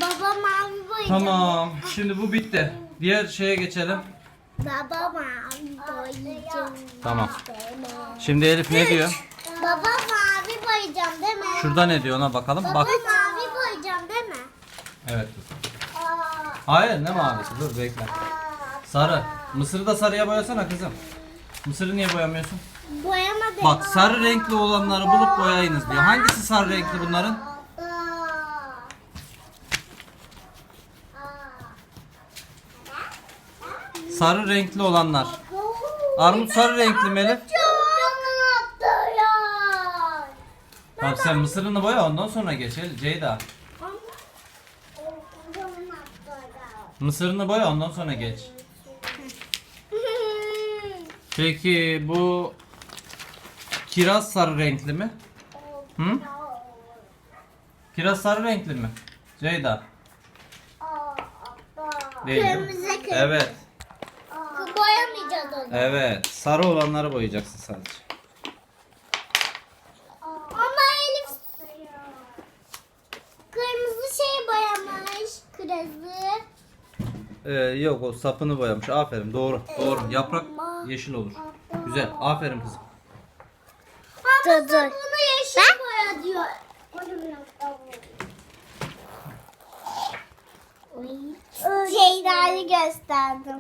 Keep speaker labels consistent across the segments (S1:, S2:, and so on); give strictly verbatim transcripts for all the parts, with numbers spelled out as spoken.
S1: Baba mavi boyayacağım.
S2: Tamam. Şimdi bu bitti. Diğer şeye geçelim.
S1: Baba mavi boyayacağım.
S2: Tamam. Şimdi Elif ne diyor?
S1: Baba mavi boyayacağım değil mi?
S2: Şurada ne diyor ona bakalım.
S1: Baba
S2: Bak.
S1: mavi boyayacağım değil mi?
S2: Evet. Hayır, ne mavisi? Dur bekle. Sarı. Mısırı da sarıya boyasana kızım. Mısırı niye boyamıyorsun?
S1: Boyamadım.
S2: Bak, sarı renkli olanları bulup boyayınız diyor. Hangisi sarı renkli bunların? Sarı renkli olanlar. Armut sarı renkli mi Elif? Tamam, sen mısırını boya, ondan sonra geç Elif. Ceyda. Mısırını boya, ondan sonra geç. Peki bu kiraz sarı renkli mi? Hı? Kiraz sarı renkli mi? Ceyda. Değil.
S1: Kırmızı, kırmızı.
S2: Evet.
S1: Boyamayacağız onu.
S2: Evet. Sarı olanları boyayacaksın sadece.
S1: Ama Elif kırmızı şey boyamış. Kırmızı.
S2: Ee, yok, o sapını boyamış. Aferin, doğru. Doğru. Yaprak yeşil olur. Güzel. Aferin kızım.
S1: Ama bunu yeşil boya diyor. Ceyda'yı gösterdim.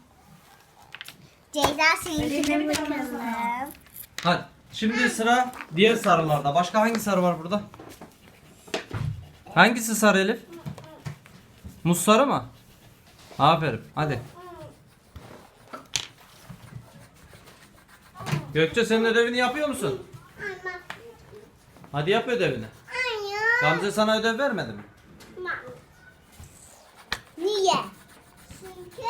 S1: Ceyda seninkine bakalım.
S2: Hadi. Şimdi sıra diğer sarılarda. Başka hangi sarı var burada? Hangisi sarı Elif? Muz sarı mı? Aferin. Hadi. Gökçe, senin ödevini yapıyor musun? Hadi yap ödevini.
S1: Hayır.
S2: Gamze sana ödev vermedi mi?
S1: Niye? Çünkü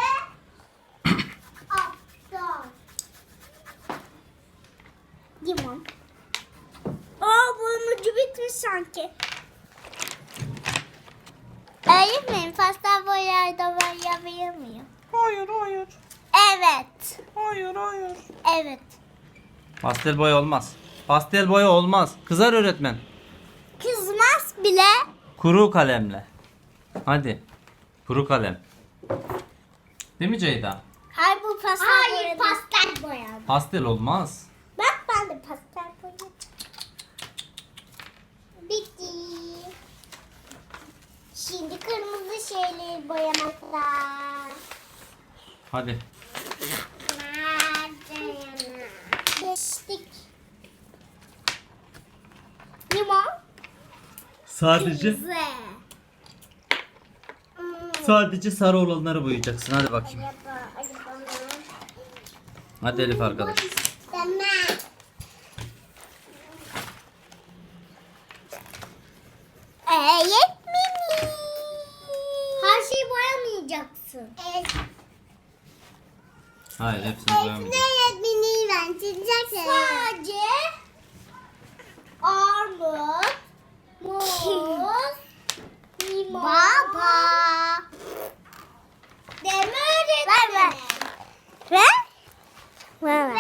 S1: aptal. Limon. Aa, bunun ucu bitmiş sanki. Öğretmenim, pastel boyayla boyayabilir miyim?
S2: Hayır, hayır.
S1: Evet.
S2: Hayır, hayır.
S1: Evet.
S2: Pastel boya olmaz. Pastel boya olmaz. Kızar öğretmen.
S1: Kızmaz bile.
S2: Kuru kalemle. Hadi. Kuru kalem. Değil mi Ceyda?
S1: Hayır, bu pastel Hayır, pastel boya.
S2: Pastel olmaz.
S1: Bak, ben de pastel boya. Bitti. Şimdi kırmızı şeyleri boyamakla.
S2: Hadi.
S1: Geçtik. Limon.
S2: Sadece
S1: Kırmızı.
S2: sadece sarı olanları boyayacaksın. Hadi bakayım. Hadi Elif arkadaş.
S1: Öğretmenim. Her şeyi boyamayacaksın. Evet.
S2: Hayır, hepsini boyamayacaksın.
S1: Öğretmenim, ben çizeceksin. Sadece armut, muz, limon. Baba. Deme öğretmenim. Ver ver. Ver ver.